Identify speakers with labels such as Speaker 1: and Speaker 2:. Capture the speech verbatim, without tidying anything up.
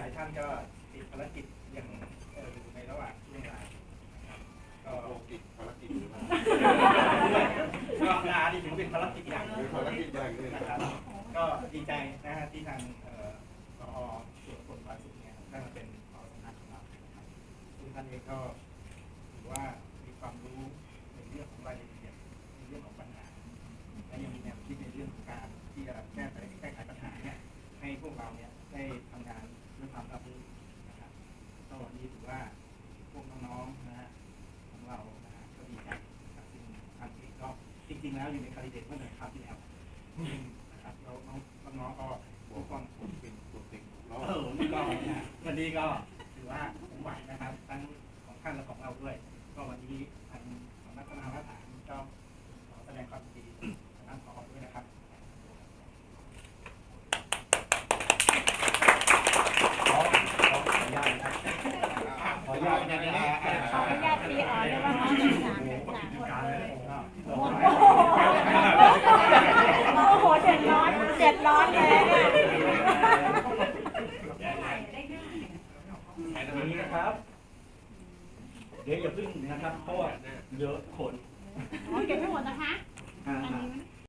Speaker 1: ลายท่านก็ติดภารกิจอย่างอยู่ในระหว่างช่วงเวลาก็
Speaker 2: ติดภารกิจ
Speaker 1: ก็งานที่ถือเป็นภารกิจอย่าง
Speaker 2: ภารกิจอย่างนึง
Speaker 1: นะครับก็ดีใจนะฮะที่ทางผอ.ส่วนผลภาษีเนี่ยได้มาเป็นผอ.สำนักของเราครับซึ่งท่านเองก็ถือว่ามีความรู้ในเรื่องของรายละเอียดในเรื่องของปัญหาและยังมีแนวคิดในเรื่องของการที่จะแก้ไขแก้ไขปัญหาเนี่ยให้พวกเราเนี่ยได้ทำงานด้วยความรับรู้นะครับก็วันนี้ถือว่าพวกน้องๆนะฮะของเรานะฮะก็ดีใจนะครับซึ่งท่านเองก็จริงๆแล้วอยู่ในคาลิเดตเมื่อเดือนคราวที่แล้วนะครับเราน้องๆก็ทุกคนเป็นตัวเต็งเออวันนี้ก็นะวันนี้ก็ถือว่าผมไหวนะครับทั้งของท่านและของเราด้วยก็วันนี้ทางสำนักพัฒนามาตรฐานก็ขอแสดงความยินดีกับท่านผอ.ด้วยนะครับขอขออนุญาตนะครับขออนุญาตนะครับ
Speaker 3: ขออนุญาตปีออนด้วยว่าน้องเป็นสามเป็นสามคนโอ้โหเจ็ดร้อนเจ็ดร้อนเลย
Speaker 1: ตรงนี้นะครับเดี๋ยวอย่าพึ่งนะครับเพราะว่าเยอะคน
Speaker 3: อ๋อเก็บไม่หมดนะคะ
Speaker 1: อ่า